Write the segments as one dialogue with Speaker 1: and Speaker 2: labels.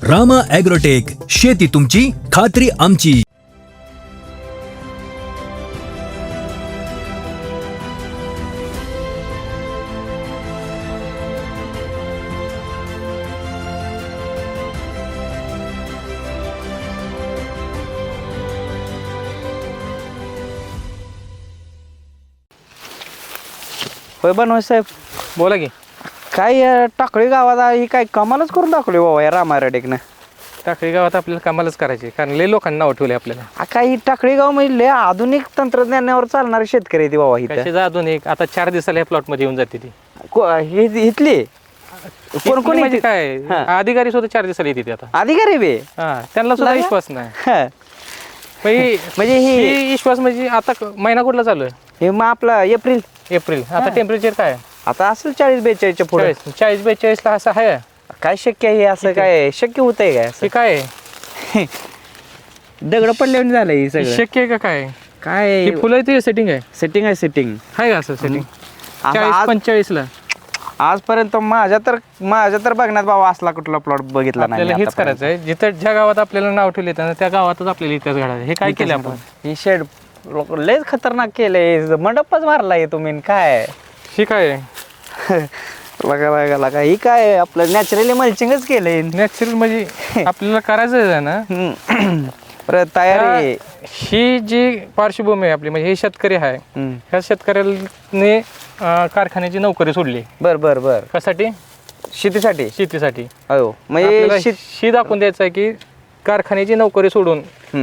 Speaker 1: Rama agrotech, शेती तुमची, खात्री आमची.
Speaker 2: होय बनवाय साहेब,
Speaker 3: बोला की.
Speaker 2: काय टाकळी गावात ही काय कमालच करून दाखवली बाबा या रामारेडेकनं.
Speaker 3: टाकळी गावात आपल्याला कामालाच करायची, कारण लय लोकांना नाव ठेवले आपल्याला.
Speaker 2: काही टाकळी गाव म्हणजे लय आधुनिक तंत्रज्ञानावर चालणारे शेतकरी आहे ती बाबा इथं.
Speaker 3: कशी अजून आता 4 दिवसाला या प्लॉट मध्ये येऊन जाते ती.
Speaker 2: इथली कोण कोण
Speaker 3: म्हणजे
Speaker 2: येते?
Speaker 3: काय
Speaker 2: हा.
Speaker 3: अधिकारी सुद्धा 4 दिवसाला येते आता.
Speaker 2: अधिकारी बे
Speaker 3: हा, त्यांना सुद्धा
Speaker 2: लागा?
Speaker 3: विश्वास नाही.
Speaker 2: हा. म्हणजे
Speaker 3: ही विश्वास म्हणजे आता महिना कुठला चालू आहे?
Speaker 2: हे मग आपला एप्रिल
Speaker 3: एप्रिल. आता टेम्परेचर काय आहे?
Speaker 2: आता असेल 40-42च्या पुढे.
Speaker 3: 40-42 ला असं आहे.
Speaker 2: काय शक्य आहे असं? काय शक्य होत आहे काय असं?
Speaker 3: हे काय आहे?
Speaker 2: दगड पडल्यावर झालंय हे
Speaker 3: हे
Speaker 2: सगळं.
Speaker 3: शक्य आहे का काय?
Speaker 2: काय
Speaker 3: हे फुलं ते सेटिंग आहे.
Speaker 2: सेटिंग आहे सेटिंग.
Speaker 3: आहे का असं सेटिंग?
Speaker 2: आता
Speaker 3: 40-45 ला
Speaker 2: आजपर्यंत माझ्या तर बघण्यात बाबा असला कुठला प्लॉट बघितला नाही
Speaker 3: आपल्याला
Speaker 2: मी
Speaker 3: हेच
Speaker 2: आतापर्यंत.
Speaker 3: करायचं आहे. जिथं ज्या गावात आपल्याला नाव ठेवले त्या गावातच आपल्याला इतिहास घडायचा. हे काय केलं आपण?
Speaker 2: ही शेड लयच खतरनाक केलंय, मंडपच मारलाय तुम्ही काय.
Speaker 3: हे काय आहे?
Speaker 2: बघा ही काय आपलं नॅचरली मल्चिंगच केलंय.
Speaker 3: नॅचरल म्हणजे आपल्याला करायचं आहे ना.
Speaker 2: परत तयारी.
Speaker 3: ही जी पार्श्वभूमी आहे आपली, म्हणजे हे शेतकरी आहे. ह्या शेतकऱ्याने कारखान्याची नोकरी सोडली.
Speaker 2: बर
Speaker 3: कशासाठी?
Speaker 2: शेतीसाठी.
Speaker 3: शेतीसाठी.
Speaker 2: हो
Speaker 3: आपल्याला
Speaker 2: म्हणजे
Speaker 3: ही दाखवून द्यायचं आहे की कारखान्याची नोकरी सोडून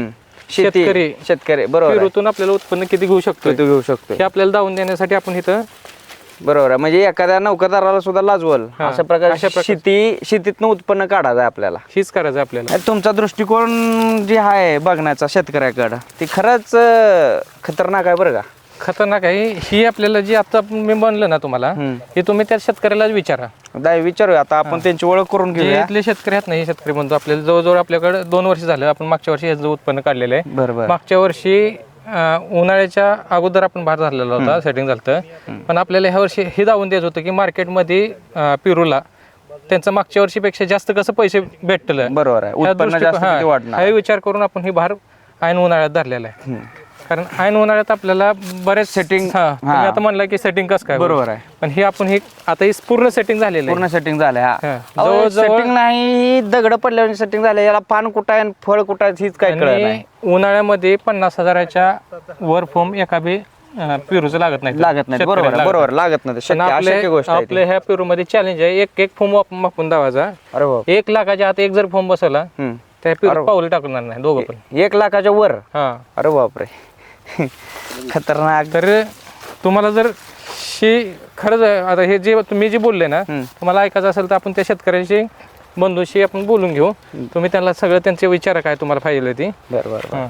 Speaker 2: शेतकरी बरोबर
Speaker 3: पेरूतून आपल्याला उत्पन्न किती घेऊ शकतो
Speaker 2: तू घेऊ शकतो
Speaker 3: हे आपल्याला दावून देण्यासाठी आपण इथं.
Speaker 2: बरोबर आहे. म्हणजे एखाद्या नोकरदाराला सुद्धा लाजवल
Speaker 3: हा,
Speaker 2: अशा प्रकारे
Speaker 3: अशा प्रकारे.
Speaker 2: शेतीतनं उत्पन्न काढायचं आहे आपल्याला.
Speaker 3: हीच करायचं आपल्याला.
Speaker 2: तुमचा दृष्टिकोन जे आहे बघण्याचा शेतकऱ्याकडं ते खरंच खतरनाक आहे बरं का.
Speaker 3: खतरनाक आहे. ही आपल्याला जी आता मी म्हणलं ना तुम्हाला, हे तुम्ही त्या शेतकऱ्यालाच विचारा.
Speaker 2: विचारूया आता आपण त्यांची ओळख करून
Speaker 3: जे
Speaker 2: घेऊया.
Speaker 3: इथले शेतकरी आहेत ना, हे शेतकरी म्हणतो आपल्याला जवळजवळ आपल्याकडे 2 वर्ष झालं. आपण मागच्या वर्षी याचं उत्पन्न काढलेलं आहे.
Speaker 2: बरोबर.
Speaker 3: मागच्या वर्षी उन्हाळ्याच्या अगोदर आपण बाहेर झालेला होता, सेटिंग झालं. पण आपल्याला ह्या वर्षी हे दावून द्यायचं होतं की मार्केटमध्ये पेरूला त्यांचं मागच्या वर्षीपेक्षा जास्त कसं पैसे भेटलं.
Speaker 2: बरोबर आहे. उत्पन्न जास्त किती वाढणार.
Speaker 3: हा विचार करून आपण हे बाहेर ऐन उन्हाळ्यात धरलेला आहे. कारण ऐन उन्हाळ्यात आपल्याला बरेच
Speaker 2: सेटिंग.
Speaker 3: तुम्ही आता म्हणलं की सेटिंग कसं काय
Speaker 2: बरोबर आहे.
Speaker 3: पण हे आपण हे आता पूर्ण सेटिंग झालेलं आहे.
Speaker 2: पूर्ण सेटिंग झालंय.
Speaker 3: हा.
Speaker 2: जवळ सेटिंग नाही, दगड पडल्यावर सेटिंग झालं. याला पान कुठं आहे फळ कुठं आहे हीच काय कळत
Speaker 3: आणि
Speaker 2: नाही.
Speaker 3: उन्हाळ्यामध्ये 50,000च्या वर फॉर्म एका बी पेरूचं लागत नाही.
Speaker 2: लागत नाही. बरोबर लागत नाही. अशक्य गोष्ट आहे ती.
Speaker 3: आपल्या ह्या पेरूमध्ये चॅलेंज आहे, एक फॉर्म मापून दावायचा.
Speaker 2: अरे बाप.
Speaker 3: 1 लाखाच्या आत एक जर फॉर्म बसवला त्या पेरू पाऊल टाकणार नाही दोघं पण.
Speaker 2: 1 लाखाच्या वर.
Speaker 3: हा.
Speaker 2: अरे बापरे. खतरनाक.
Speaker 3: तर तुम्हाला जर खरंच आता हे जे तुम्ही जे बोलले ना, तुम्हाला ऐकायचं असेल तर आपण त्या शेतकऱ्याशी बंधूशी आपण बोलून घेऊ. तुम्ही त्यांना सगळं त्यांचे विचार काय तुम्हाला पाहिजे ती.
Speaker 2: बरोबर.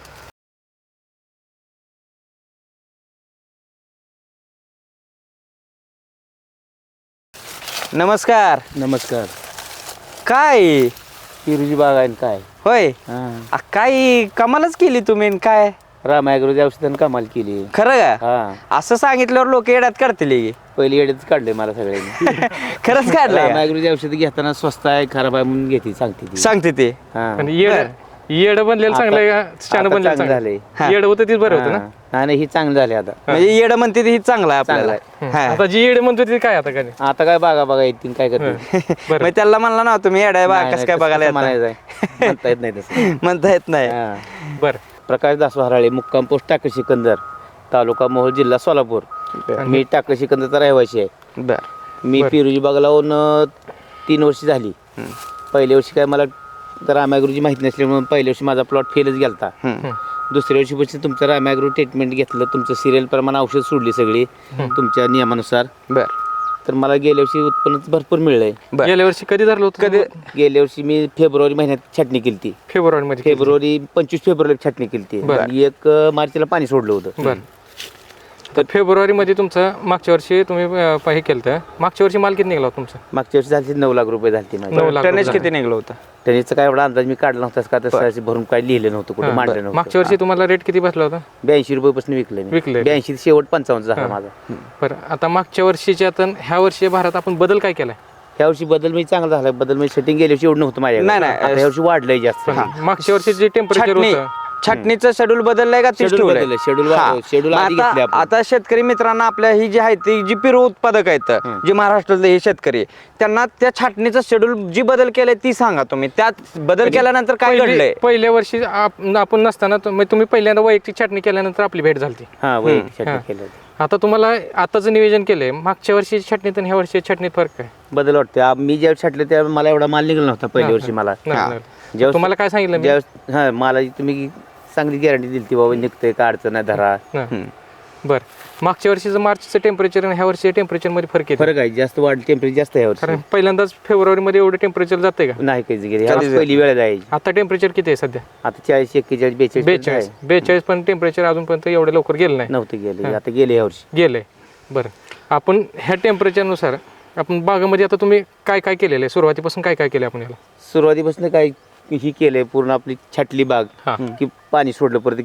Speaker 2: नमस्कार.
Speaker 4: नमस्कार.
Speaker 2: काय
Speaker 4: पेरूची बाग आहे न काय.
Speaker 2: होय. काय कमालच केली तुम्ही न काय.
Speaker 4: राम ॲग्रोची औषधानं कमाल केली.
Speaker 2: खरं का?
Speaker 4: हा,
Speaker 2: असं सांगितल्यावर लोक येड्यात काढतील की.
Speaker 4: पहिली येड्यात काढले मला सगळ्यांनी.
Speaker 2: खरंच
Speaker 4: राम
Speaker 2: काढलं
Speaker 4: ॲग्रोची औषधं घेताना स्वस्त आहे खराब आहे म्हणून घेते सांगते ती.
Speaker 2: सांगते ते.
Speaker 4: हा.
Speaker 3: पण येड बनलेलं चांगलं आहे का शान बनलेलं
Speaker 4: चांगलं
Speaker 3: चांगलं?
Speaker 4: झालंय.
Speaker 3: येड होतं तीच बरं होतं ना.
Speaker 4: नाही ही चांगलं झाले आता.
Speaker 2: म्हणजे येड म्हणते ते ही चांगलं आहे आपल्याला.
Speaker 4: चांगलं
Speaker 2: हा.
Speaker 3: आता जी येड म्हणतो ती काय आता काय?
Speaker 4: आता काय बागा येतील काय करते.
Speaker 2: मग त्याला म्हणला ना तुम्ही येड आहे बा
Speaker 4: नाही,
Speaker 2: कसं काय
Speaker 4: तसं
Speaker 2: बघायला
Speaker 4: म्हणायचं
Speaker 2: येतं?
Speaker 4: आहे. म्हणता येत नाही तसं.
Speaker 2: म्हणता येत नाही.
Speaker 4: हा.
Speaker 3: बरं.
Speaker 4: प्रकाश दासो हराळे, मुक्काम पोस्ट टाकळी सिकंदर, तालुका मोहोळ, जिल्हा सोलापूर. मी टाकळी सिकंदरचा रहिवासी आहे.
Speaker 2: बर.
Speaker 4: मी पेरूची बाग लावून 3 वर्ष झाली. पहिल्या वर्षी काय मला रामॅग्रोची माहिती नसल्यामुळे पहिल्या वर्षी माझा प्लॉट फेलच गेलता. दुसऱ्या वर्षीपासून तुमचं रामॅग्रो ट्रीटमेंट घेतलं, तुमचं सिरियल प्रमाणे औषध सोडली सगळी तुमच्या नियमानुसार.
Speaker 2: बर.
Speaker 4: तर मला गेल्या वर्षी उत्पन्न भरपूर मिळलंय.
Speaker 3: गेल्या वर्षी कधी धरलं होतं?
Speaker 2: कधी?
Speaker 4: गेल्या वर्षी मी फेब्रुवारी महिन्यात छाटणी केली ती.
Speaker 3: फेब्रुवारी मध्ये.
Speaker 4: 25 फेब्रुवारी छाटणी केली ती.
Speaker 3: बरं.
Speaker 4: 1 मार्चला पाणी सोडलं होतं.
Speaker 3: बरं. तर फेब्रुवारी मध्ये तुमचं मागच्या वर्षी तुम्ही हे केलं. मागच्या वर्षी माल किती निघाला होता तुमचा?
Speaker 4: मागच्या वर्षी झाली 9 लाख रुपये झाली माझी.
Speaker 3: 9 लाख
Speaker 2: टनेज
Speaker 3: रुपये.
Speaker 2: किती निघलं होतं?
Speaker 4: त्याचा काय एवढा अंदाज मी काढला नव्हता का तसं भरून काय लिहिलं नव्हतं कुठे मांडलं नव्हतं.
Speaker 3: मागच्या वर्षी तुम्हाला रेट किती बसला होता?
Speaker 4: 82 रुपयापासून विकलं मी.
Speaker 3: विकलंय.
Speaker 4: 82 शेवट 55 झाला माझा.
Speaker 3: बरं. आता मागच्या वर्षीच्या आता ह्या वर्षी भारतात आपण बदल काय केलाय?
Speaker 4: ह्या वर्षी बदल म्हणजे चांगला झाला. बदल म्हणजे सेटिंग गेल्या वर्षी एवढं नव्हतं माझ्याकडे.
Speaker 2: नाही, नाही.
Speaker 4: आता ह्या वर्षी वाढलंय जास्त.
Speaker 3: मागच्या वर्षी जे टेम्परेचर
Speaker 2: छाटणी
Speaker 3: होतं
Speaker 2: छाटणीचं शेड्यूल बदललंय का तीच
Speaker 4: Schedule
Speaker 2: ठेवलंय?
Speaker 4: बदललंय. Schedule
Speaker 2: हा.
Speaker 4: schedule
Speaker 2: मग
Speaker 4: आधी घेतले आपण.
Speaker 2: आता शेतकरी मित्रांना आपल्या ही जी आहे ती जी पेरू उत्पादक आहेत जे महाराष्ट्रातले हे शेतकरी त्यांना त्या छाटणीचं शेड्यूल जी बदल केलंय ती सांगा तुम्ही. त्यात बदल केल्यानंतर काय घडलंय?
Speaker 3: पहिल्या वर्षी आपण नसताना तुम्ही पहिल्यांदा वैयक्तिक छाटणी केल्यानंतर आपली भेट झाली.
Speaker 4: हा वैयक्तिक छाटणी केलं.
Speaker 3: आता तुम्हाला आताचं नियोजन केलंय, मागच्या वर्षी छाटणीत आणि ह्या वर्षी छाटणीत फरक काय?
Speaker 4: बदल वाटते. मी ज्यावेळेस छाटले त्यावेळेस मला एवढा माल निघाला नव्हता पहिल्या वर्षी मला.
Speaker 3: नाही. तुम्हाला काय सांगितलं मी?
Speaker 4: ज्यावेळेस हा मला तुम्ही चांगली गॅरंटी दिली ती बाबा निघतंय का अडचण नाही धरा.
Speaker 3: बर, मागच्या वर्षीचं मार्चचं टेम्परेचर आणि ह्या वर्षी टेम्परेचर मध्ये फरक येतो?
Speaker 4: फरक आहे. जास्त वाढ टेम्परेचर जास्त आहे ह्या वर्षी.
Speaker 3: कारण पहिल्यांदाच फेब्रुवारी मध्ये एवढं टेम्परेचर जाते का?
Speaker 4: नाही काही गेली पहिली वेळ जायची.
Speaker 3: आता टेम्परेचर किती आहे सध्या?
Speaker 4: आता 40, 41, 42
Speaker 3: 42 पण टेम्परेचर अजूनपर्यंत एवढं लवकर गेलं नाही.
Speaker 4: नव्हते गेले. आता गेले ह्या वर्षी.
Speaker 3: गेलंय. बरं, आपण ह्या टेम्परेचरनुसार आपण बागामध्ये आता तुम्ही काय काय केलेलं आहे? सुरुवातीपासून काय काय केलं आपण याला?
Speaker 4: सुरुवातीपासून काय ही केलंय पूर्ण आपली छाटली बाग
Speaker 3: हा.
Speaker 4: की पाणी सोडलं परत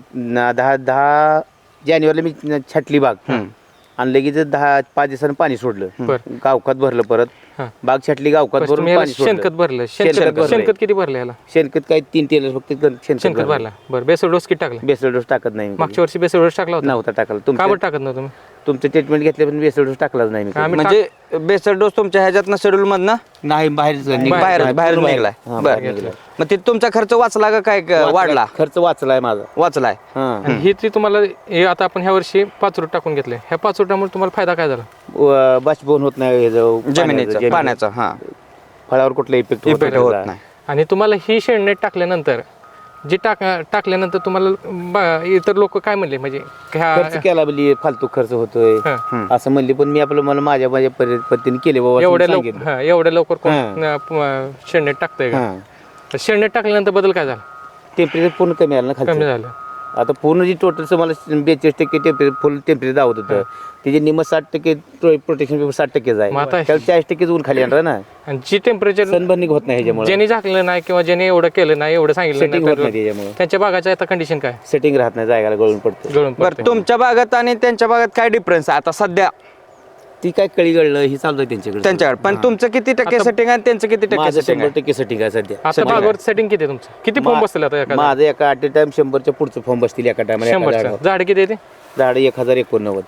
Speaker 4: 10 जानेवारीला मी छाटली बाग आणि लगेच 5 दिवसानं पाणी सोडलं.
Speaker 3: बरं.
Speaker 4: गावखात भरलं परत
Speaker 3: हा.
Speaker 4: बाग छाटली गावखात भरून
Speaker 3: तुम्ही याला
Speaker 4: पाणी सोडलं.
Speaker 3: शेणखत भरलं?
Speaker 4: शेणखत भरलंय.
Speaker 3: शेणखत किती भरलं याला?
Speaker 4: शेणखत काय 3 टेलर फक्त
Speaker 3: शेणखत
Speaker 4: भरलं.
Speaker 3: भरला. बरं, बेसल डोस किती टाकला?
Speaker 4: बेसल डोस टाकत नाही मी कधी.
Speaker 3: मागच्या वर्षी बेसल डोस टाकला होता?
Speaker 4: नव्हता टाकला.
Speaker 3: का बरं
Speaker 4: तुमचं
Speaker 3: टाकत नव्हतं तुम्ही?
Speaker 4: तुमचं ट्रीटमेंट घेतलं पण बेसल डोस टाकलाच नाही मी कधी.
Speaker 3: आम्ही
Speaker 2: म्हणजे बेसल डोस तुमच्या ह्याच्यातनं शेड्यूल मधनं
Speaker 4: नाही बाहेरच
Speaker 2: बाहेर निघलाय.
Speaker 4: हा,
Speaker 2: बरं.
Speaker 4: बाहेर निघलाय.
Speaker 2: मग ते तुमचा खर्च वाचला का काय वाढला?
Speaker 4: खर्च वाचलाय माझा.
Speaker 2: वाचलाय.
Speaker 4: हा.
Speaker 3: आणि ही ती तुम्हाला हे आता आपण ह्या वर्षी 5 रूट टाकून घेतले, ह्या 5 रूटामुळे तुम्हाला फायदा काय झाला?
Speaker 4: बाष्पीभवन होत नाही
Speaker 2: जमिनीचं पाण्याचं. हा,
Speaker 4: फळावर कुठला इफेक्ट
Speaker 2: इफेक्ट होत नाही.
Speaker 3: आणि तुम्हाला ही शेणनेट टाकल्यानंतर जी टाकल्यानंतर तुम्हाला इतर लोक काय म्हणले? म्हणजे
Speaker 4: खर्च केला बोली फालतू खर्च होतोय असं म्हणले पण मी आपलं मला माझ्या पद्धतीने केले बाबा
Speaker 3: एवढ्या लवकर कोण शेणनेट टाकतंय का? तर शेणनेट टाकल्यानंतर बदल काय झाला?
Speaker 4: टेम्परेचर पूर्ण कमी आलं ना
Speaker 3: कमी
Speaker 4: खाली.
Speaker 3: झालं.
Speaker 4: आता पूर्ण जी टोटलचं मला 42% टेम्परेचर फुल टेम्परेचर दावत होतं त्याचे निम 60% प्रोटेक्शन पेपर 60%
Speaker 3: मग आता-
Speaker 4: आहे त्याला 40% ऊन खाली आणणार ना.
Speaker 3: आणि जी टेम्परेचर
Speaker 4: सनबर्निंग होत नाही ह्याच्यामुळे.
Speaker 3: ज्यांनी झाकलं नाही किंवा ज्यांनी एवढं केलं नाही, एवढं सांगितलं
Speaker 4: सेटिंग होत नाही
Speaker 3: नाही,
Speaker 4: त्याच्यामुळे.
Speaker 3: त्यांच्या बागाच्या आता कंडिशन काय?
Speaker 4: सेटिंग राहत नाही जायला गळून पडतं.
Speaker 3: गळून
Speaker 2: बरं,
Speaker 3: पडते.
Speaker 2: तुमच्या बागात आणि त्यांच्या बागात काय डिफरन्स आहे आता सध्या
Speaker 4: ती काय कळी गळलं ही चालू आहे त्यांच्याकडे.
Speaker 2: त्यांच्याकडे? पण तुमचं किती टक्के सेटिंग आहे त्यांचं किती टक्के
Speaker 4: माझं
Speaker 2: सेटिंग
Speaker 4: 100% सेटिंग आहे सध्या.
Speaker 3: आता बागावर सेटिंग किती आहे तुमचं? किती फॉर्म बसतील आता एका
Speaker 4: माझं एका ॲट टाइम 100च्या पुढचं फॉर्म बसतील एका टायमाला.
Speaker 3: 100चं झाड किती येते?
Speaker 4: झाड 1089.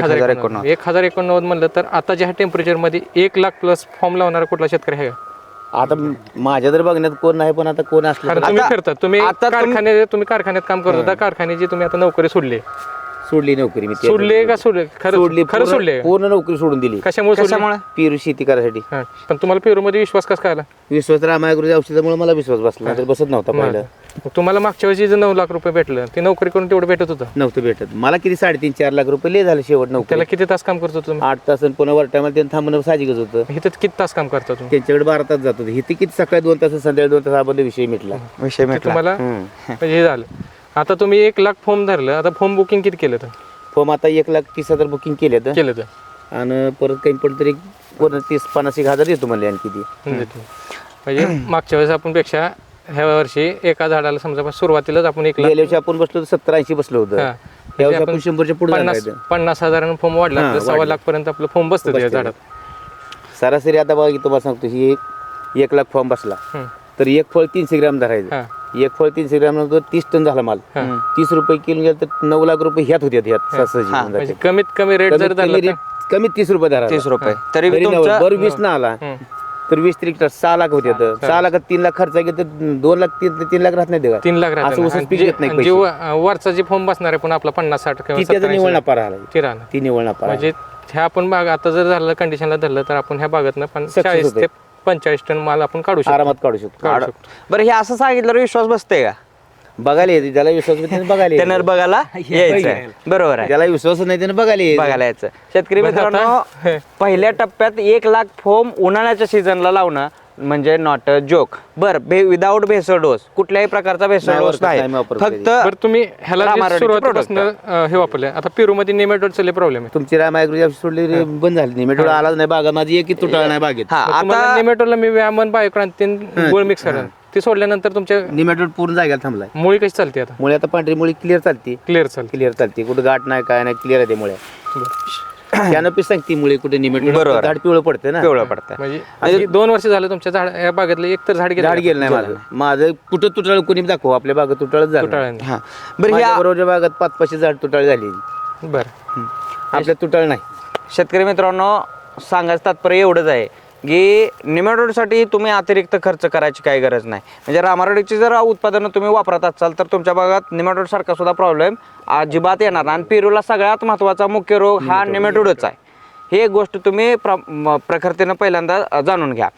Speaker 3: 1089 म्हणलं तर आता ज्या टेम्परेचर मध्ये 1 लाख प्लस फॉर्म लावणारा कुठला शेतकरी आहे?
Speaker 4: आता माझ्या तर बघण्यात कोण नाही पण आता कोण असलं
Speaker 3: कारण
Speaker 4: तर
Speaker 3: तुम्ही
Speaker 2: आता-
Speaker 3: फिरता, तुम्ही
Speaker 2: आता
Speaker 3: तुम्ही कारखान्यात काम करत होता, कारखान्याची तुम्ही आता नोकरी सोडली.
Speaker 4: सोडली नोकरी मी.
Speaker 3: सोडले का सोडले?
Speaker 4: सोडली
Speaker 3: खरं सोडले?
Speaker 4: पूर्ण नोकरी सोडून दिली.
Speaker 3: कशामुळे सोडली?
Speaker 2: कशामुळे?
Speaker 4: पेरू शेती करायसाठी.
Speaker 3: हा. पण तुम्हाला पेरू मध्ये विश्वास कसा काय आला?
Speaker 4: विश्वास रामायगुरुजी औषधामुळे मला विश्वास बसला तर बसत नव्हता पहिलं.
Speaker 3: मग तुम्हाला मागच्या वर्षी जे 9 लाख रुपये भेटलं ते नोकरी करून तेवढं भेटत होतं?
Speaker 4: नव्हतं भेटत मला. किती 3.5-4 लाख रुपये लय झाले शेवट नोकरी.
Speaker 3: त्याला किती तास काम करतो तुम्ही?
Speaker 4: 8 तास आणि पुन्हा वर टायमाला त्यांनी थांबणं साहजिकच होतं.
Speaker 3: इथं किती तास काम करता तुम्ही?
Speaker 4: त्यांच्याकडे 12 तास जात होते. इथे किती सकाळी 2 तास संध्याकाळी 2 तास हा बद्दल विषय मिटला.
Speaker 2: विषय
Speaker 3: ते
Speaker 2: मिटला.
Speaker 3: तुम्हाला म्हणजे हे झालं. आता तुम्ही 1 लाख फॉर्म धरलं, आता फॉर्म बुकिंग किती केलं तर?
Speaker 4: फॉर्म आता 1,30,000 बुकिंग केले तर
Speaker 3: केलं तर
Speaker 4: आणि परत काही पण तरी पूर्ण 30-50 हजार देतो म्हणले आणखी ती.
Speaker 3: म्हणजे मागच्या वेळेस आपण पेक्षा ह्या वर्षी एका झाडाला समजा सुरुवातीलाच आपण 1 लाख
Speaker 4: गेल्या वर्षी आपण बसलो 70-80 बसलो होतं.
Speaker 3: हा.
Speaker 4: या वर्षी आपण 100च्या पुढे
Speaker 3: 50,000 फॉर्म वाढला तर 1.25 लाख पर्यंत आपलं फॉर्म बसतं त्या झाडात.
Speaker 4: सरासरी आता बघा तुम्हाला सांगतो ही 1 लाख फॉर्म बसला तर 1 फळ 300 ग्रॅम धरायचं. 1 फळ 300 ग्रॅम नंतर 30 टन झाला माल. 30 रुपये किलो गेलं तर 9 लाख रुपये ह्यात होत्यात
Speaker 3: म्हणजे कमीत कमी रेट जर धरला तर
Speaker 4: कमीत 30 रुपये धरा.
Speaker 2: 30 रुपये तरी
Speaker 4: तरी
Speaker 2: तुमचं
Speaker 4: बरं 20 ना आला तर 20 त्रिक 6 लाख होते. 6 लाखात 3 लाख खर्च गेला तर 2 लाख 3 लाख राहत नाही देवा.
Speaker 3: 3 लाख
Speaker 4: असं उसच पीक येत नाही
Speaker 3: राहतात.
Speaker 4: पैसे.
Speaker 3: जे वरचा जे फॉर्म बसणार आहे पण आपला 50-60 किंवा
Speaker 4: ती त्याचा
Speaker 3: 70-80
Speaker 4: निवळ नफा राहिला.
Speaker 3: ती राहणार.
Speaker 4: ती निवळ नफा
Speaker 3: म्हणजे ह्या आपण बाग आता जर झालं कंडिशनला धरलं तर आपण ह्या बागातनं 40 ते 45 टन माल आपण काढू शकतो.
Speaker 4: आरामात काढू शकतो.
Speaker 2: बरं हे असं सांगितलं विश्वास बसते का?
Speaker 4: बघायला येते ज्याला विश्वास नाही त्याने बघायला
Speaker 2: त्यांना
Speaker 4: यायचं.
Speaker 2: बघायला यायचं. बरोबर आहे.
Speaker 4: ज्याला विश्वास नाही त्याने बघायला यायचं.
Speaker 2: बघायला यायचं. शेतकरी
Speaker 3: बरं आता-
Speaker 2: मित्रांनो, पहिल्या टप्प्यात 1 लाख फॉर्म उन्हाळ्याच्या सीझनला लावणं म्हणजे नॉट अ जोक. बरं, विदाऊट भेसळ डोस, कुठल्याही प्रकारचा भेसळ
Speaker 4: नाही
Speaker 2: डोस
Speaker 4: वापरत,
Speaker 2: नाही,
Speaker 4: नाही वापरत
Speaker 2: फक्त
Speaker 3: बरं तुम्ही ह्याला जे
Speaker 2: रामारोडीचे
Speaker 3: सुरुवातीपासून हे वापरले. आता पेरूमध्ये नेमॅटोडचा लय प्रॉब्लेम आहे.
Speaker 4: तुमची रामायगुरुजी औषध सोडली रे, बंद झाली. निमेटोड आलाच नाही बागा. माझी एक तुटाळा नाही बागेत.
Speaker 2: हा
Speaker 3: आता
Speaker 2: आता
Speaker 3: नेमॅटोडला मी व्यामन बायोक्रांती गोळ मिक्स करेन. ते सोडल्यानंतर तुमच्या
Speaker 4: निमेटोड पूर्ण जागेला थांबलाय.
Speaker 3: मुळी कशी चालते आता?
Speaker 4: मुळे आता पांढरी मुळी क्लिअर चालते.
Speaker 3: क्लिअर चालते.
Speaker 4: क्लिअर चालते. कुठं गाठ नाही काय नाही क्लिअर आहे ते मुळे. त्यानं पी सांगते मुळे कुठे निमेट
Speaker 2: बरोबर.
Speaker 4: झाड पिवळं पडतं ना,
Speaker 2: पिवळं पडतं.
Speaker 3: म्हणजे 2 वर्ष झालं तुमच्या झाड या बागेतलं एक तर झाड
Speaker 4: झाड गेलं नाही माझं कुठं तुटाळ कोणी दाखव आपल्या बागेत तुटाळच झालं
Speaker 3: तुटाळ्याने.
Speaker 2: हा बरं
Speaker 4: बरोबरच्या बागात 5-500 झाड तुटाळ झाली,
Speaker 3: बरं.
Speaker 4: आपल्या तुटाळ नाही.
Speaker 2: शेतकरी मित्रांनो सांगायचं तात्पर्य एवढंच आहे की निमॅटोडसाठी तुम्ही अतिरिक्त खर्च करायची काही गरज नाही. म्हणजे रामारोडीची जर उत्पादनं तुम्ही वापरत असाल तर तुमच्या भागात निमॅटोड सारखा सुद्धा प्रॉब्लेम अजिबात येणार नाही. आणि पेरूला सगळ्यात महत्त्वाचा मुख्य रोग हा निमॅटोडच आहे. ही एक गोष्ट तुम्ही प्रखरतेनं पहिल्यांदा जाणून घ्या.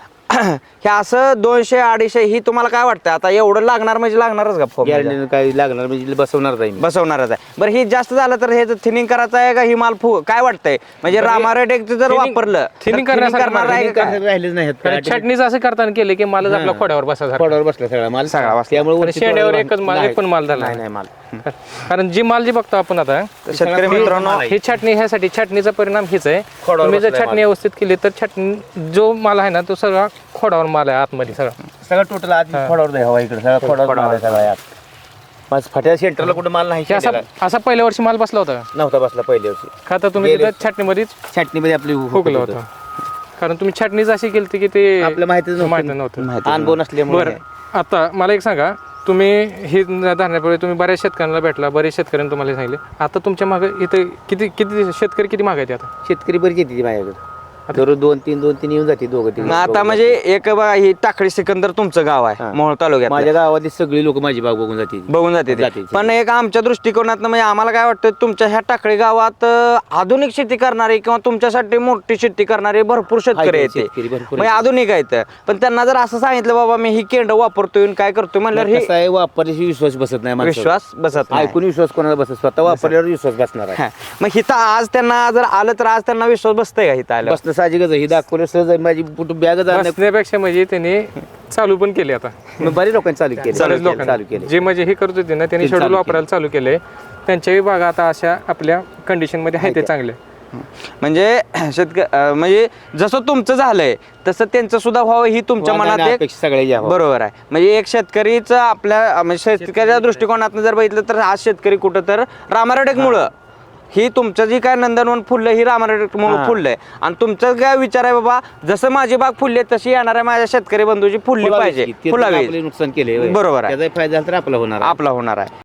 Speaker 2: हे असं 200-250 ही तुम्हाला काय वाटतं आता एवढं लागणार म्हणजे लागणारच का फॉर्म
Speaker 4: गॅरंटी काही लागणार म्हणजे बसवणार जाईल.
Speaker 2: बसवणारच आहे. बरं ही जास्त झालं तर हे थिनिंग करायचं आहे का ही माल काय वाटतंय म्हणजे रामारोडेक जर वापरलं
Speaker 3: थिनिंग
Speaker 2: करणार आहे का?
Speaker 4: राहिलेच नाही
Speaker 3: कारण छाटणीच असं करताना केलं की मालच आपल्या खोड्यावर बसा
Speaker 4: खोडावर बसला सगळा माल
Speaker 2: सगळा बसला.
Speaker 4: त्यामुळे
Speaker 3: शेंड्यावर एकच माल एक पण माल झाला
Speaker 4: नाही माल.
Speaker 3: कारण जी माल जी बघतो आपण आता
Speaker 2: शेतकरी मित्रांनो
Speaker 3: ही छाटणी ह्यासाठी छाटणीचा परिणाम हीच आहे.
Speaker 4: खोडावर
Speaker 3: तुम्ही जर
Speaker 4: बसलाय
Speaker 3: छाटणी व्यवस्थित केली तर छाटणी जो माल आहे ना तो सगळा खोडावर माल आहे आतमध्ये सगळा.
Speaker 4: सगळं टोटल आधी खोडावर द्या हवा इकडे सगळा खोडावर माल आहे सगळा यात. माझं फाट्या सेंटरला कुठं माल नाही
Speaker 3: हे असा असा पहिल्या वर्षी माल बसला होता
Speaker 4: नव्हता बसला पहिल्या वर्षी.
Speaker 3: का तर तुम्ही तिथं छाटणीमध्येच
Speaker 4: छाटणीमध्ये आपली
Speaker 3: हुकलं होतं. कारण तुम्ही छाटणीच अशी केली की ते
Speaker 4: आपल्या माहितीच
Speaker 3: माहिती नव्हतं.
Speaker 4: अनुभव नसल्यामुळे.
Speaker 3: बरं आता मला एक सांगा, तुम्ही ही धरण्यापूर्वी तुम्ही बऱ्याच शेतकऱ्यांना भेटला, बरेच शेतकऱ्यांनी तुम्हाला हे सांगितले. आता तुमच्या मागे इथं किती शेतकरी किती मागायचे आता?
Speaker 4: शेतकरी बरी येते माझ्याकडे दररोज 2-3 येऊन जाते दोघं
Speaker 2: मग आता म्हणजे एक बघा ही टाकळी सिकंदर तुमचं गाव आहे मोहोळ तालुक्यात
Speaker 4: माझ्या गावातली सगळी लोक माझी बाग बघून जाते.
Speaker 2: बघून जाते ते. पण एक आमच्या दृष्टिकोनात म्हणजे आम्हाला काय वाटतं तुमच्या ह्या टाकळी गावात आधुनिक शेती करणारे किंवा तुमच्यासाठी मोठी शेती करणारे भरपूर शेतकरी आहेत
Speaker 4: शेतकरी भरपूर
Speaker 2: म्हणजे आधुनिक आहेत. पण त्यांना जर असं सांगितलं बाबा मी ही केंड वापरतोय काय करतोय म्हणल्यावर
Speaker 4: कसं आहे वापरल्याशी विश्वास बसत नाही माणसावर.
Speaker 2: विश्वास बसत नाही.
Speaker 4: ऐकून विश्वास कोणाला बसत स्वतः वापरल्यावर विश्वास बसणार आहे.
Speaker 2: हा. मग हिथं आज त्यांना जर आलं तर आज त्यांना विश्वास बसतंय का हिथं आलं
Speaker 4: बसणं साहजिकच आहे. ही दाखवलं सहज आहे. माझी बॅग
Speaker 3: बसण्यापेक्षा म्हणजे त्यांनी चालू पण केले आता.
Speaker 4: बऱ्याच लोकांनी चालू केलं
Speaker 3: बऱ्याच
Speaker 4: चालू
Speaker 3: लोकांनी
Speaker 4: केले.
Speaker 3: जे म्हणजे हे करत होते ना त्यांनी
Speaker 4: चालू
Speaker 3: शेड्यूल
Speaker 4: केले.
Speaker 3: वापरायला चालू केले. त्यांच्याही बागा आता अशा आपल्या कंडिशन मध्ये आहे ते चांगले.
Speaker 2: म्हणजे म्हणजे जसं तुमचं झालंय तसं त्यांचं सुद्धा व्हावं ही तुमच्या मनात एक
Speaker 4: सगळ्या
Speaker 2: बरोबर आहे. म्हणजे एक शेतकरीचं आपल्या म्हणजे शेतकऱ्याच्या दृष्टिकोनातून जर बघितलं तर आज शेतकरी कुठं तर रामारोडेकमुळं ही तुमचं जी काय नंदनवन फुललं ही रामारोडेकमुळं फुललंय. आणि तुमचं काय विचार आहे बाबा जसं माझी बाग फुलली आहे तशी येणार आहे माझ्या शेतकरी बंधूची फुलली पाहिजे फुलावी.
Speaker 4: नुकसान केले
Speaker 2: बरोबर आहे.
Speaker 4: त्याचा फायदा झाला तर आपला होणार आहे.
Speaker 2: आपला होणार आहे.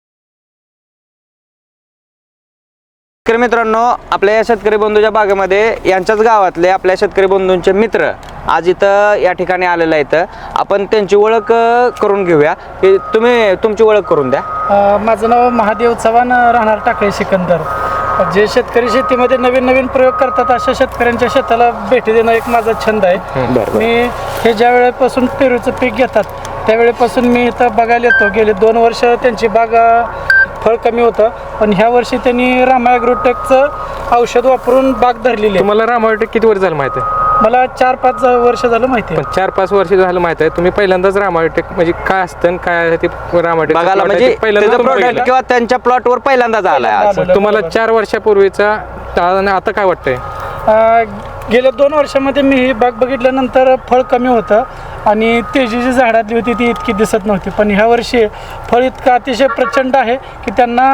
Speaker 2: शेतकरी मित्रांनो आपल्या या शेतकरी बंधूच्या बागेमध्ये यांच्याच गावातले आपल्या शेतकरी बंधूंचे मित्र आज इथं या ठिकाणी आलेले आहेत. आपण त्यांची ओळख करून घेऊया की तुम्ही तुमची ओळख करून द्या.
Speaker 5: माझं नाव महादेव चव्हाण, राहणार टाकळी सिकंदर. जे शेतकरी शेतीमध्ये नवीन नवीन प्रयोग करतात अशा शेतकऱ्यांच्या शेताला भेटी देणं एक माझा छंद आहे. मी हे ज्या वेळेपासून पेरूचं पीक घेतात त्यावेळेपासून मी इथं बघायला येतो. गेले 2 वर्ष त्यांची बाग फळ कमी होतं पण ह्या वर्षी त्यांनी रामा ॲग्रोटेकचं औषध वापरून बाग धरलेली आहे.
Speaker 3: तुम्हाला रामायोटेक किती वर्ष झालं माहिती आहे?
Speaker 5: मला 4-5 वर्ष झालं माहिती आहे.
Speaker 3: पण 4-5 वर्ष झालं माहिती आहे. तुम्ही पहिल्यांदाच रामायोटेक म्हणजे काय असतं आणि काय आहे ते रामायोटेक
Speaker 2: बघायला म्हणजे त्याचं प्रोडक्ट किंवा त्यांच्या प्लॉटवर पहिल्यांदाच आलाय आज.
Speaker 3: तुम्हाला 4 वर्षापूर्वीचा आणि आता काय वाटतंय?
Speaker 5: गेल्या 2 वर्षामध्ये मी ही बाग बघितल्यानंतर फळ कमी होतं आणि तेजी जी झाडातली होती ती इतकी दिसत नव्हती. पण ह्या वर्षी फळ इतकं अतिशय प्रचंड आहे की त्यांना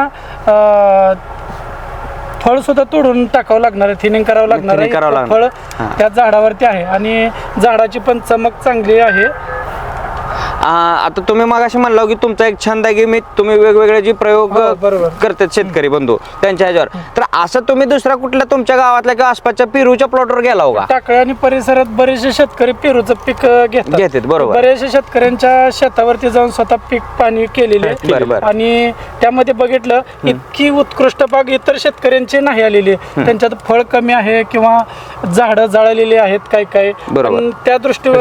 Speaker 5: फळ सुद्धा तोडून टाकावं लागणार आहे, थिनिंग करावं लागणार आहे. फळ त्या झाडावरती आहे आणि झाडाची पण चमक चांगली आहे.
Speaker 2: आता तुम्ही मगाशी म्हणला की तुमचा एक छंद आहे की मी तुम्ही वेगवेगळे जे प्रयोग करतात शेतकरी बंधू त्यांच्या ह्याच्यावर, तर असं तुम्ही दुसऱ्या कुठल्या तुमच्या गावातल्या किंवा आसपासच्या पेरूच्या प्लॉटवर गेला होगा?
Speaker 5: टाकळी आणि परिसरात बरेचसे शेतकरी पेरूचं पीक घेतात.
Speaker 2: बरोबर.
Speaker 5: बरेचसे शेतकऱ्यांच्या शेतावरती जाऊन स्वतः पीक पाणी केलेले आणि त्यामध्ये बघितलं इतकी उत्कृष्ट बाग इतर शेतकऱ्यांची नाही आलेली. त्यांच्यात फळ कमी आहे किंवा झाडं जाळलेली आहेत काय काय. त्या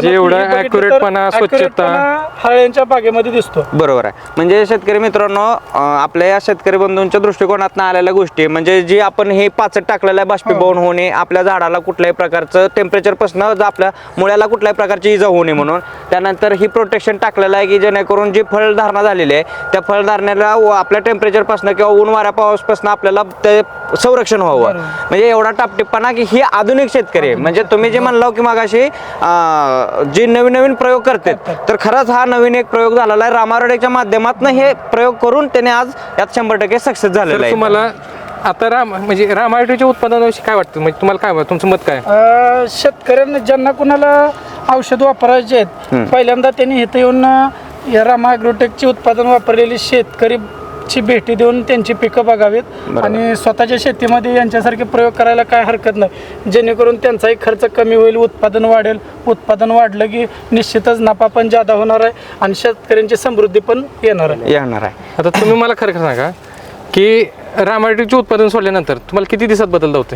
Speaker 5: दृष्टीवर हळ्यांच्या बागेमध्ये दिसतो.
Speaker 2: बरोबर आहे. म्हणजे शेतकरी मित्रांनो आपल्या या शेतकरी बंधूंच्या दृष्टिकोनात आलेल्या गोष्टी म्हणजे जी आपण हे पाचट टाकलेलं आहे बाष्पीभवन होणे, आपल्या झाडाला कुठल्याही प्रकारचं टेम्परेचर पासून आपल्या मुळ्याला कुठल्याही प्रकारची इजा होणे म्हणून, त्यानंतर ही प्रोटेक्शन टाकलेलं आहे की जेणेकरून जी फळधारणा झालेली आहे त्या फळधारणेला आपल्या टेम्परेचर पासून किंवा ऊन वाऱ्या पाऊसपासून आपल्याला ते संरक्षण व्हावं. म्हणजे एवढा टापटिप्पणा की ही आधुनिक शेतकरी आहे. म्हणजे तुम्ही जे म्हणलो की मगाशी जे नवीन नवीन प्रयोग करतात तर खरंच हा नवीन एक प्रयोग झालेला आहे. रामारोडेच्या माध्यमातून हे प्रयोग करून त्याने आज यात 100% सक्सेस झालेला आहे.
Speaker 3: तुम्हाला आता म्हणजे रामायणाच्या उत्पादनाविषयी काय वाटतं, म्हणजे तुम्हाला काय तुमचं मत काय?
Speaker 5: शेतकऱ्यांना ज्यांना कुणाला औषध वापरायचे आहेत पहिल्यांदा त्यांनी इथं येऊन या रामा ॲग्रोटेकचे उत्पादन वापरलेली शेतकरीची भेटी देऊन त्यांची पिकं बघावीत आणि स्वतःच्या शेतीमध्ये यांच्यासारखे प्रयोग करायला काय हरकत नाही, जेणेकरून त्यांचाही खर्च कमी होईल, उत्पादन वाढेल. उत्पादन वाढलं की निश्चितच नफा पण जादा होणार आहे आणि शेतकऱ्यांची समृद्धी पण येणार आहे.
Speaker 3: आता तुम्ही मला खरं खरं सांगा की रामायणाचे उत्पादन सोडल्यानंतर तुम्हाला किती दिवसात बदल होते?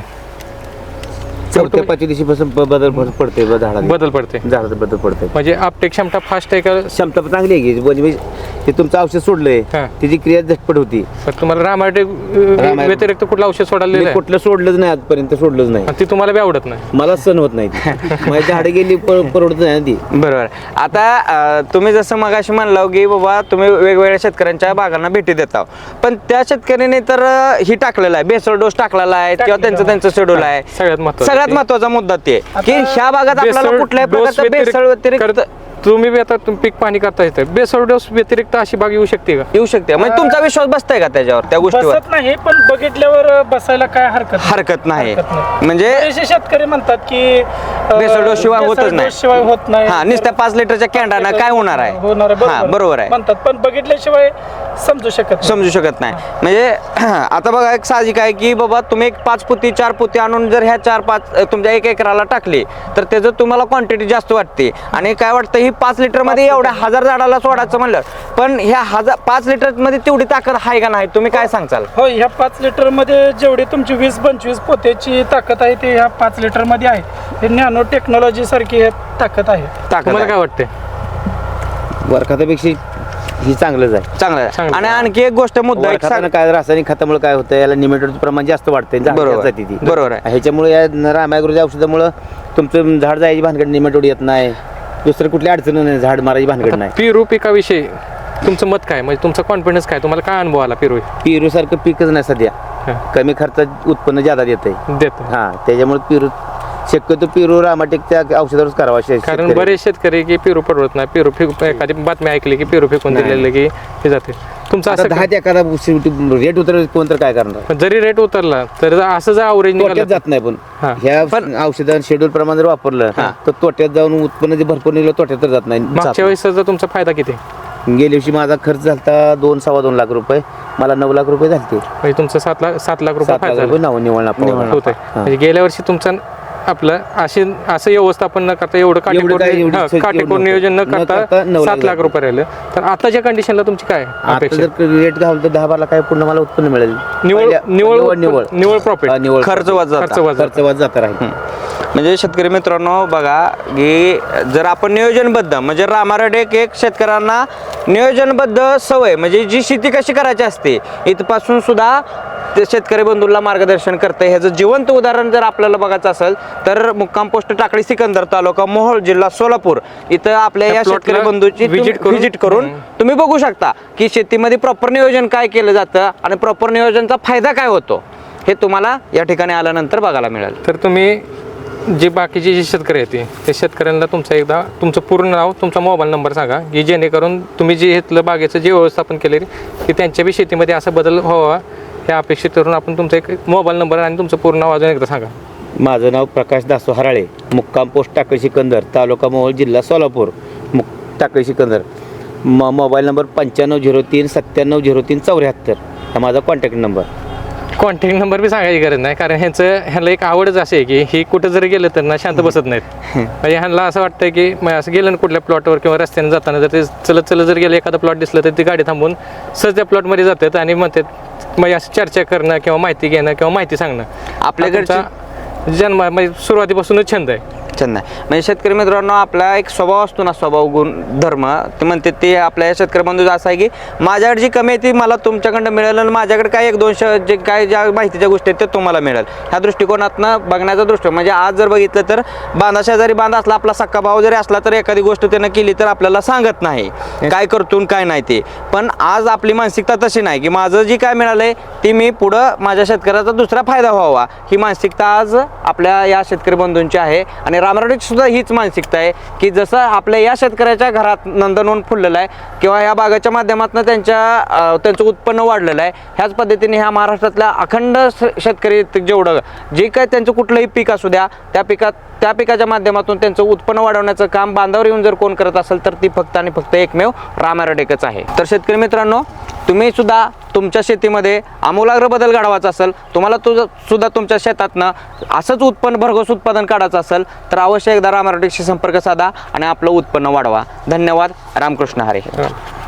Speaker 4: चौथ्या पाचव्या दिवशीपासून बदल पडते झाडात
Speaker 3: बदल पडते,
Speaker 4: झाडात बदल पडते.
Speaker 3: म्हणजे आपटेक क्षमता फास्ट आहे का?
Speaker 4: क्षमता पण चांगली आहे की म्हणजे ते तुमचं औषध सोडलंय
Speaker 3: हा.
Speaker 4: त्याची क्रिया झटपट होती.
Speaker 3: पण तुम्हाला रामायण व्यतिरिक्त कुठलं औषध सोडायला
Speaker 4: मी कुठलं सोडलंच नाही आजपर्यंत, सोडलंच नाही.
Speaker 3: ती तुम्हाला बी आवडत नाही?
Speaker 4: मला सण होत नाही ती. माझी झाडं गेली परवडत नाही ना ती.
Speaker 2: बरोबर. आता तुम्ही जसं मगाशी म्हणलं की बाबा तुम्ही वेगवेगळ्या शेतकऱ्यांच्या बागांना भेटी देता, पण त्या शेतकऱ्याने तर ही टाकलेला आहे, बेसळ डोस टाकलेला आहे किंवा त्यांचं शेड्यूल आहे. सगळ्यात महत्वाचा मुद्दा ते की ह्या भागात आपल्याला कुठल्याही प्रकारचं बेसळ व्यतिरिक्त
Speaker 3: तुम्ही बी आता पीक पाणी करता येतं, बेसळ डोस व्यतिरिक्त अशी बाग येऊ शकते का?
Speaker 2: येऊ शकते. म्हणजे तुमचा विश्वास बसताय का त्याच्यावर, त्या गोष्टीवर?
Speaker 5: बसत नाही, पण बघितल्यावर बसायला काय
Speaker 2: हरकत नाही. म्हणजे
Speaker 5: बरेचसे शेतकरी म्हणतात की
Speaker 2: बेसळ डोस शिवाय होतच नाही.
Speaker 5: शिवाय होत नाही.
Speaker 2: हा, नुसत्या 5 लिटरच्या कॅन्डानं काय होणार आहे? हा, बरोबर आहे.
Speaker 5: म्हणतात, पण बघितल्याशिवाय समजू शकत
Speaker 2: नाही. म्हणजे आता बघा एक साहजिक आहे की बाबा तुम्ही एक 5 पोती 4 पोती आणून जर ह्या 4-5 तुमच्या 1 एकराला टाकली तर त्याचं तुम्हाला क्वांटिटी जास्त वाटते आणि काय वाटतं ही 5 लिटर मध्ये एवढ्या 1000 झाडाला सोडायचं म्हणलं, पण ह्या 5 लिटर मध्ये तेवढी ताकद आहे का नाही, तुम्ही काय सांगचाल?
Speaker 5: हो, ह्या 5 लिटर मध्ये जेवढी तुमची 20-25 पोत्याची ताकद आहे ते ह्या 5 लिटर मध्ये आहे. हे नॅनो टेक्नॉलॉजी सारखी हे ताकद आहे.
Speaker 3: तुम्हाला काय वाटते?
Speaker 4: वरखातापेक्षा ही चांगलंच आहे.
Speaker 2: चांगलं आहे. आणि आणखी एक गोष्ट मुद्दा एक
Speaker 4: वरखातानं काय रासायनिक खतामुळे काय होतं, याला निमेटोडचं प्रमाण जास्त वाढतंय.
Speaker 2: बरोबर आहे.
Speaker 4: ह्याच्यामुळे या रामायग्रोच्या औषधामुळे तुमचं झाड जायची भानगड, निमेटोड येत नाही, दुसरं कुठली अडचण नाही, झाड मारायची भानगड नाही.
Speaker 3: पेरू पिकाविषयी तुमचं मत काय, म्हणजे तुमचा कॉन्फिडन्स काय, तुम्हाला काय अनुभव आला
Speaker 4: पेरू सारखं पीकच नाही सध्या. कमी खर्चात उत्पन्न जादा देत हा, त्याच्यामुळे पेरू शक्यतो पेरू रामाटेकच्या औषधावरच करावा.
Speaker 3: कारण बरेच शेतकरी की पेरू परवडत नाही, पेरू एखादी बातमी ऐकली की पेरू फेकून दिलेलं की हे जाते. तुमचं असं
Speaker 4: 10 ते एखादा रेट उतरला कोण तर काय करणार,
Speaker 3: जरी रेट उतरला तर असं जर अवरेज
Speaker 4: तोट्यात जात नाही. पण ह्या औषधां शेड्यूल प्रमाण जर वापरलं तर तोट्यात जाऊन उत्पन्न जे भरपूर निघलं तोट्यात तर जात नाही.
Speaker 3: मागच्या वेळेस तुमचा फायदा किती?
Speaker 4: गेल्या वर्षी माझा खर्च झाला 2-2.25 लाख रुपये, मला 9 लाख रुपये झाले.
Speaker 3: म्हणजे तुमचं 7 लाख रुपये फायदा
Speaker 4: निवळ
Speaker 3: होत आहे. म्हणजे गेल्या वर्षी तुमचं आपलं असं व्यवस्थापन न करता एवढं काटेकोर नियोजन न करता 7 लाख रुपये राहिलं, तर आताच्या कंडिशनला तुमची काय अपेक्षा?
Speaker 4: रेट घालून तर 10-12 काय पूर्ण मला उत्पन्न मिळेल.
Speaker 3: निवळ प्रॉफिट,
Speaker 2: खर्च
Speaker 4: वाज जाता राहील.
Speaker 2: म्हणजे शेतकरी मित्रांनो बघा की जर आपण नियोजनबद्ध म्हणजे रामायण एक शेतकऱ्यांना नियोजनबद्ध सवय म्हणजे जी शेती कशी करायची असते इथपासून सुद्धा ते शेतकरी बंधूंना मार्गदर्शन करते. ह्याचं जिवंत उदाहरण जर आपल्याला बघायचं असेल तर मुक्काम पोस्ट टाकळी सिकंदर तालुका मोहोळ जिल्हा सोलापूर इथं आपल्या या शेतकरी बंधूची व्हिजिट करून तुम्ही बघू शकता की शेतीमध्ये प्रॉपर नियोजन काय केलं जातं आणि प्रॉपर नियोजनचा फायदा काय होतो हे तुम्हाला या ठिकाणी आल्यानंतर बघायला मिळेल.
Speaker 3: तर तुम्ही जे बाकीचे जे शेतकरी आहेत ते शेतकऱ्यांना तुमचं पूर्ण नाव, तुमचा मोबाईल नंबर सांगा की जेणेकरून तुम्ही जे इथलं बागेचं जे व्यवस्थापन केले की त्यांच्या बी शेतीमध्ये असा बदल व्हावा हे अपेक्षित करून आपण तुमचा एक मोबाईल नंबर आणि तुमचं पूर्ण नाव अजून एकदा सांगा.
Speaker 4: माझं नाव प्रकाश दासो हराळे, मुक्काम पोस्ट टाकळी सिकंदर तालुका मोहोळ जिल्हा सोलापूर, टाकळी सिकंदर. मोबाईल नंबर 9503-970374 हा माझा कॉन्टॅक्ट नंबर.
Speaker 3: कॉन्टॅक्ट नंबर बी सांगायची गरज नाही, कारण ह्याला एक आवडच असे की ही कुठं जरी गेलं तर ना शांत बसत नाहीत. म्हणजे ह्यांना असं वाटतं की असं गेलं ना कुठल्या प्लॉटवर किंवा रस्त्याने जाताना जर ते चलत जर गेलं एखादा प्लॉट दिसलं तर ती गाडी थांबून सहज त्या प्लॉटमध्ये जातात आणि म्हणतात म्हणजे असं चर्चा करणं किंवा माहिती घेणं किंवा माहिती सांगणं आपल्याकडचा जन्म म्हणजे सुरुवातीपासूनच छंद आहे.
Speaker 2: छंद आहे. म्हणजे शेतकरी मित्रांनो आपला एक स्वभाव असतो ना, स्वभाव गुण धर्म ते म्हणते ते आपल्या शेतकरी बंधूचा असं आहे की माझ्याकडे जी कमी आहे ती मला तुमच्याकडनं मिळेल आणि माझ्याकडे काय 1-2 जे काय ज्या माहितीच्या गोष्टी आहेत ते तुम्हाला मिळेल. ह्या दृष्टिकोनातनं बघण्याचा दृष्टी म्हणजे आज जर बघितलं तर बांधा शेजारी बांधा असला आपला सक्का भाव जरी असला तर एखादी गोष्ट त्यानं केली तर आपल्याला सांगत नाही काय करतून काय नाही ते. पण आज आपली मानसिकता तशी नाही की माझं जी काय मिळालंय ती मी पुढं माझ्या शेतकऱ्याचा दुसरा फायदा व्हावा ही मानसिकता आज आपल्या या शेतकरी बंधूंची आहे. आणि रामरावची सुद्धा हीच मानसिकता आहे की जसं आपल्या या शेतकऱ्याच्या घरात नंदनवन फुललेलं आहे किंवा ह्या बागाच्या माध्यमातून त्यांचं उत्पन्न वाढलेलं आहे, ह्याच पद्धतीने ह्या महाराष्ट्रातल्या अखंड शेतकरी जेवढं जे काय त्यांचं कुठलंही पीक असू द्या त्या पिकाच्या माध्यमातून त्यांचं उत्पन्न वाढवण्याचं काम बांधावर येऊन जर कोण करत असेल तर ती फक्त आणि फक्त एकमेव राम ॲग्रोटेकच आहे. तर शेतकरी मित्रांनो, तुम्ही सुद्धा तुमच्या शेतीमध्ये आमूलाग्र बदल घडवायचा असेल, तुम्हाला सुद्धा तुमच्या शेतातनं असंच भरघोस उत्पादन काढायचं असेल तर अवश्य एकदा राम ॲग्रोटेकशी संपर्क साधा आणि आपलं उत्पन्न वाढवा. धन्यवाद. रामकृष्ण हरी.